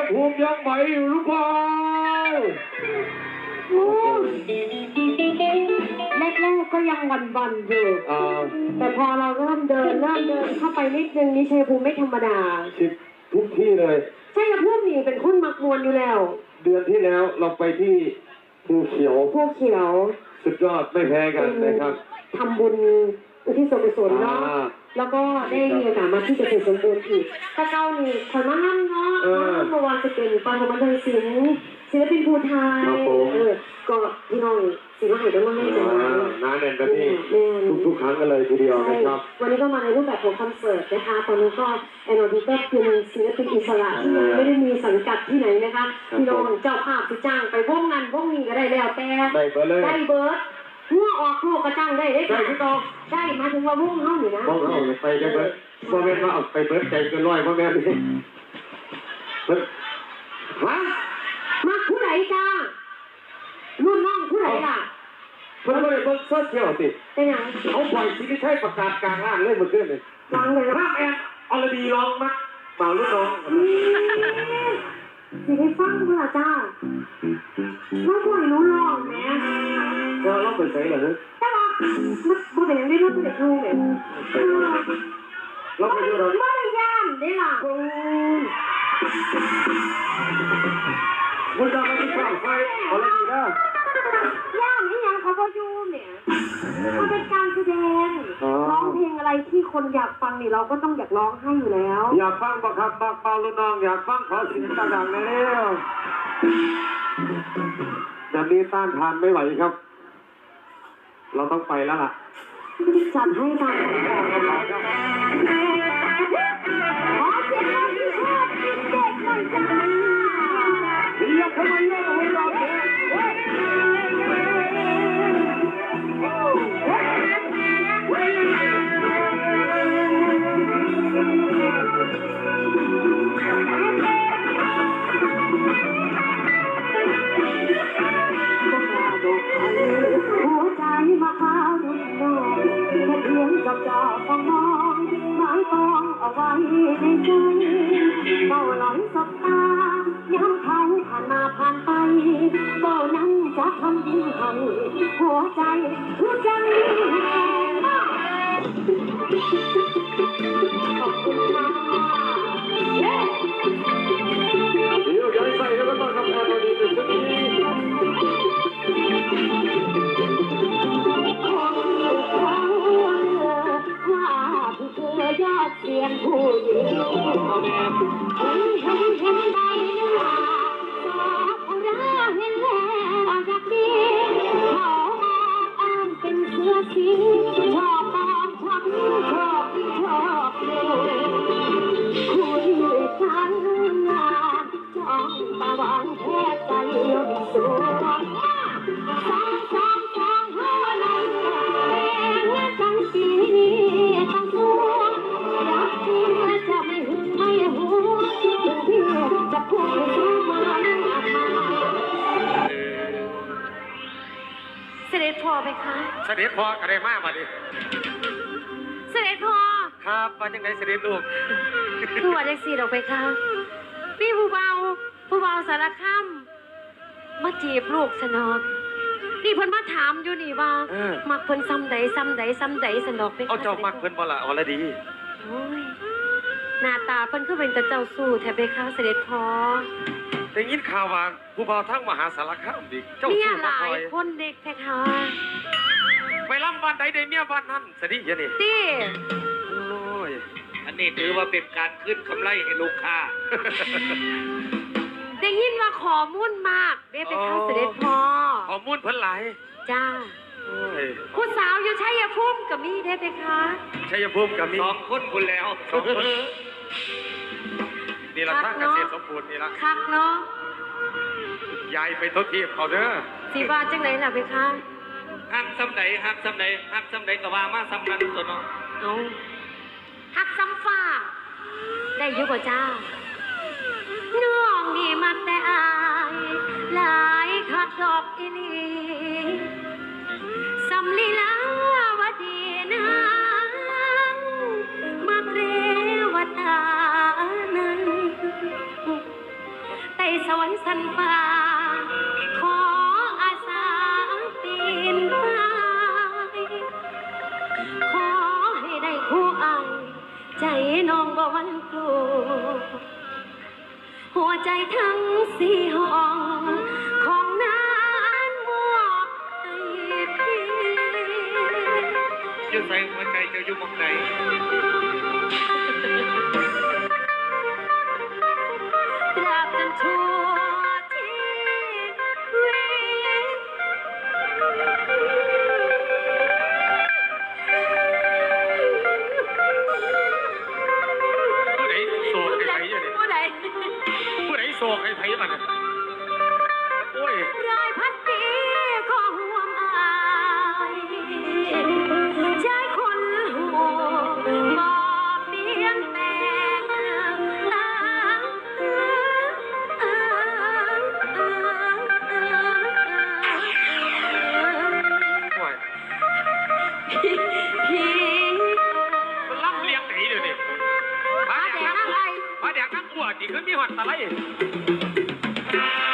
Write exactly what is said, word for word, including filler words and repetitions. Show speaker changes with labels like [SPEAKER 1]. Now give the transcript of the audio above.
[SPEAKER 1] ภูมิยังไหวอยู่หรือเปล่า
[SPEAKER 2] แรกๆก็ยังวันๆอยู่แต่พอเราเริ่มเดินเริ่มเดินเข้าไปนิดนึงนี่ชัยภูมิไม่ธรรมดา
[SPEAKER 1] ชิดทุกที่เลย
[SPEAKER 2] ชัยภูมินี่เป็นคนมักมวนอยู่แล้ว
[SPEAKER 1] เดือนที่แล้วเราไปที่ภูเขียว
[SPEAKER 2] ภูเขียว
[SPEAKER 1] สุดยอดไม่แพ้กันนะครับ
[SPEAKER 2] ทำบุญอุทิศส่วนกุศลเนาะแล้วก็ได้มีโอกาสมาที่เกษตรสมบูรณ์อีกถ้าเก้านี่คนมานั่งเนาะเมื่อวานจะเป็นปาฐมบันเทิงศิลป์ศิลปินภูไทยเออก็พี่น้องศิลปินให้ได้มาให้จังหวะ
[SPEAKER 1] น้าเด่นกันที่ทุกๆครั้งกันเลยทีเดียวนะครับ
[SPEAKER 2] วันนี้ก็มาในรูปแบบของคอนเสิร์ตนะคะตอนนี้ก็แอนอดีก็เป็นศิลปินอิสระที่ไม่ได้มีสังกัดที่ไหนนะคะพี่น้องเจ้าภาพที่จ้างไปวงงานวงนี้ก็ได้แล้วแต่
[SPEAKER 1] ได้เบิร์ดเลย
[SPEAKER 2] ได้เบิร์ดเมื่อออกลูกกระจังได้ได้
[SPEAKER 1] ได้พี่ตอง
[SPEAKER 2] ได้มาถึงว่ามุ่งเข้าอยู่นะ
[SPEAKER 1] มุ่งเข้าไปกันเบิร์ดพ่อแม่มาเอาไปเบิร์ดใจเกินร้อยพ่อแม่นี่เบิร์ดฮะ
[SPEAKER 2] มาผู้ใดจ้ารุ่นน้องผู้ใดล่ะ
[SPEAKER 1] เพิ่นก็เลยเบิร์ดเสื้อเขียวสิ
[SPEAKER 2] เป็นยัง
[SPEAKER 1] เขาปล่อยซีรีส์ใช้ประกาศกลางล่างเลยเมื่อคืนเลย
[SPEAKER 2] ฟังเลย
[SPEAKER 1] ภาพแอนอลดีร้องมั้ยมารุ่นน้อง
[SPEAKER 2] สิได้ฟังเมื่อจ้าไม่ควรรู้ลองแม่
[SPEAKER 1] ก็เราไปใส่เหรอ
[SPEAKER 2] แต่ว่ามันบ่เป็นยังได้รู้เด็กรู้เลย
[SPEAKER 1] เราไปดูเรา
[SPEAKER 2] ไม่ได้ย่านได้ล่ะ
[SPEAKER 1] คุณจะมาที่ข้าวไฟเอาอะไรดีนะ
[SPEAKER 2] ย่านนี่ยังเขาพออยู่เนี่ยมันเป็นการแสดงร้องเพลงอะไรที่คนอยากฟังนี่เราก็ต้องอยากร้องให้อยู่แล้ว
[SPEAKER 1] อยากฟังบักครับบักเปาลูกน้องอยากฟังขอเสียงต่างๆแล้วแบบนี้ต้านทานไม่ไหวครับเราต้องไปแล้วล่ะ
[SPEAKER 2] จัดให้ตามขอเสียงเราที่ชอบกินเด็กหน่อยจ้า
[SPEAKER 1] เรียกทำไมเรียกเอาไว้รอเถอะ
[SPEAKER 2] หัวใจมาพาดุนน้องแค่เพียงจับจ่อฟังมองหมายปองเอาไว้ในใจเฝ้าหลอนสบตาย้ำเขาผ่านมาผ่านไปก็นั้นจะทำยิ่งให้หัวใจหัวใจขอบคุณค่ะ
[SPEAKER 1] เดี๋ยวย้ายใส่แล้วก็ต้องทำงานมาดีเป็นสักที
[SPEAKER 2] ยอดเสียงผู้หญิงเห็นเห็นเห็นใบหน้าสอบราเห็นแล้วอยากดีเขาอ้างเป็นเสื้อสีชอบตอบชักชอบชอบเลยคุยฉันงานจ้องตาหวานแค่ใจลมสวงสองสองสองหัวลมแรงจังสีนี้ตั้งตัวรักจริงจะไม่หึงไม่หวงถึงพี่จะพูดให้รู้มาเสด็จพ่อไปคะ
[SPEAKER 1] เสด็จพ่ออะไรมากมาดิ
[SPEAKER 2] เสด็จพ่อ
[SPEAKER 1] ครับมาจังไหนเสด็จลูก
[SPEAKER 2] ผู้ว่าได้สีดอกไปคะพี่ผู้เบาผู้เบาสารคามมาจีบลูกสนอกนี่เพิ่นมาถามอยู่นี่ว่ามักเพิ่นซ้ำใดซ้ำใดซ้ำใดสนอกไป
[SPEAKER 1] เอาเจ้ามักเพิ่นบ่ล่ะอรดี
[SPEAKER 2] โอ้ยหน้าตาเพิ่นคือเป็นแต่เจ้าสู้แท้ไปคะเสด็จพ่อ
[SPEAKER 1] ได้ยินข่าวว่าผู้เบาทั้งมหาสารคามดิ
[SPEAKER 2] เจ้าสู้มาคอยคนเด็กแท้ค่ะ
[SPEAKER 1] ไปลำวันใดได้เมียวันนั้นสดิยนี่
[SPEAKER 2] ติ
[SPEAKER 1] โอ้ยอันนี้ถือว่าเป็นการขึ้นกำไรให้ลูกค้า
[SPEAKER 2] ได้ยินว่าขอมุ่นมากเด้ไปคะเสด็จพ่อ
[SPEAKER 1] ขอมุ่นเพิ่นหลาย
[SPEAKER 2] จ้าผู้สาวอยู่ชัยภูมิกับมีได้ไปคะ
[SPEAKER 1] ชัยภูมิกับมีสองคนคุณแล้วสองคนนี่ละท่าเกษตรสมบูรณ์นี่ละ
[SPEAKER 2] คักเนาะ
[SPEAKER 1] ยายไปทดทีบเขาเด้อ
[SPEAKER 2] สีบาจังไหนล่ะไปคะ
[SPEAKER 1] หักซ้ำไหนหักซ้ำไหนหักซ้ำไหนก็ว่ามาซ้ำนั้นตัวเนาะ
[SPEAKER 2] เอาหักซ้ำฟ้าได้เยอะกว่าจ้าน้องนี่มักแต่อายหลายขัดดอกอีลีสำลีลาวดีนางมักเรวตานั้นสันฟ้าขออาสาปีนไปขอให้ได้คู่อายใจน้องบ่หวันกลัวหัวใจทั้งสี่ห้องของนั้นมอบให้พี่
[SPEAKER 3] ยืดใส่หัวใจเจ้าอยู่หมองใด
[SPEAKER 2] ตราบจนชั่วชีวิต
[SPEAKER 3] ผู้ใดโศกไอ้ไผอยู่นี่
[SPEAKER 2] ผู้ใด
[SPEAKER 3] ผู้ใดโศกไอ้ไผมันน่ะโอ้ย
[SPEAKER 2] รายพันปีก็ห่วงอายใจคนหัวบ่เปลี่ยนแปลงตาม
[SPEAKER 3] โอ้ย
[SPEAKER 2] พี่
[SPEAKER 3] มันล่ำเลียงไหนเดี๋ยวนี้พา
[SPEAKER 2] อา
[SPEAKER 3] แด
[SPEAKER 2] แด
[SPEAKER 3] ก
[SPEAKER 2] ง
[SPEAKER 3] นัก
[SPEAKER 2] อะไร
[SPEAKER 3] พาแดกนักบัวจีขึ้นมีหอดตะไล